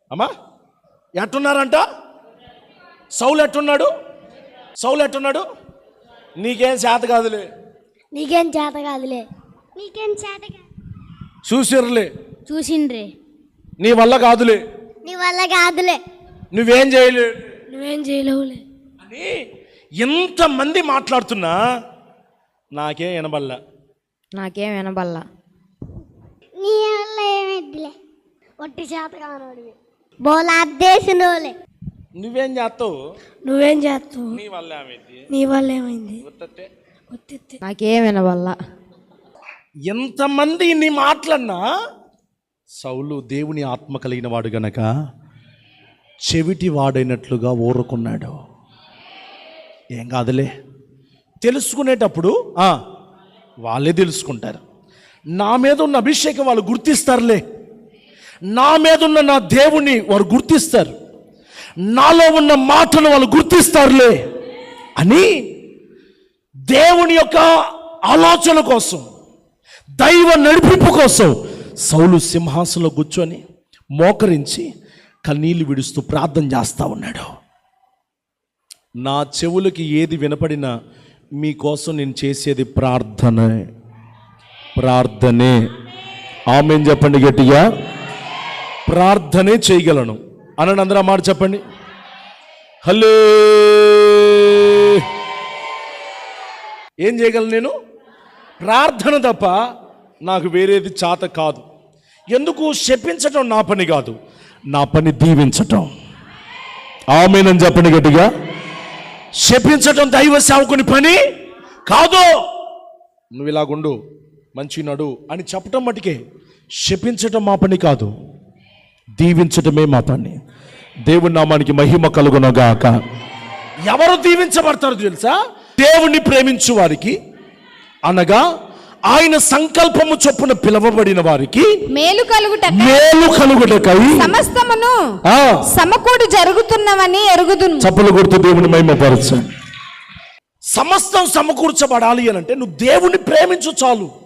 అమ్మా ఎట్టున్నారంట? సౌలు ఎట్టున్నాడు? సౌలు ఎట్టున్నాడు? నీకేం చేత కాదులే, నీకేం చేత కాదులే, నీకేం చేత కాదు, చూసిర్లే, చూసిండ్రే, నీ వల్ల కాదులే, నీ వల్ల కాదులే, నువ్వేం చేయలే, నువ్వేం చేయలేవులే అని ఎంతమంది మాట్లాడుతున్నా నాకేం వినబల్లా. నీ వల్ల ఏమిద్దిలే, ఒట్టి చేత కానోడివి, బోలాద్దేశనోలే. నువ్వేం చేస్తావు? నువ్వేం చేస్తావు? నీ వల్ల ఏమైంది? నీ వల్ల ఏమైంది? నాకేం వినవల్ల. ఎంతమంది నీ మాటలన్నా సౌలు దేవుని ఆత్మ కలిగిన వాడు గనక చెవిటి వాడైనట్లుగా ఊరుకున్నాడు. ఏం కాదులే, తెలుసుకునేటప్పుడు వాళ్ళే తెలుసుకుంటారు. నా మీద ఉన్న అభిషేకం వాళ్ళు గుర్తిస్తారులే, నా మీద ఉన్న నా దేవుని వారు గుర్తిస్తారు, నాలో ఉన్న మాటలు వాళ్ళు గుర్తిస్తారులే అని దేవుని యొక్క ఆలోచన కోసం, దైవ నడిపింపు కోసం సౌలు సింహాసనంలో కూర్చొని మోకరించి కన్నీళ్లు విడుస్తూ ప్రార్థన చేస్తూ ఉన్నాడు. నా చెవులకి ఏది వినపడినా మీకోసం నేను చేసేది ప్రార్థనే. ఆమేన్ చెప్పండి గట్టిగా. ప్రార్థనే చేయగలను అనండి అందరూ మాట చెప్పండి. హలో, ఏం చేయగలను నేను? ప్రార్థన తప్ప నాకు వేరేది చేత కాదు. ఎందుకు? శపించటం నా పని కాదు, నా పని దీవించటం. ఆమేనని చెప్పండి గట్టిగా. శపించటం దైవ సేవకుని పని కాదు. నువ్వు ఇలాగుండు, మంచి నడు అని చెప్పటం మటుకే. శపించటం మా పని కాదు, దీవించటమే మా పని. దేవుని నామానికి మహిమ కలుగునగాక. ఎవరు దీవించబడతారు తెలుసా? దేవుణ్ణి ప్రేమించు వారికి, అనగా ఆయన సంకల్పము చొప్పున పిలవబడిన వారికి మేలు కలుగుటకై సమస్తమును సమకూడి జరుగుతున్నవని ఎరుగుదును. చప్పలు కొడుతూ దేవుని మహిమపరచండి. సమస్తం సమకూర్చబడాలి అని అంటే నువ్వు దేవుణ్ణి ప్రేమించు చాలు.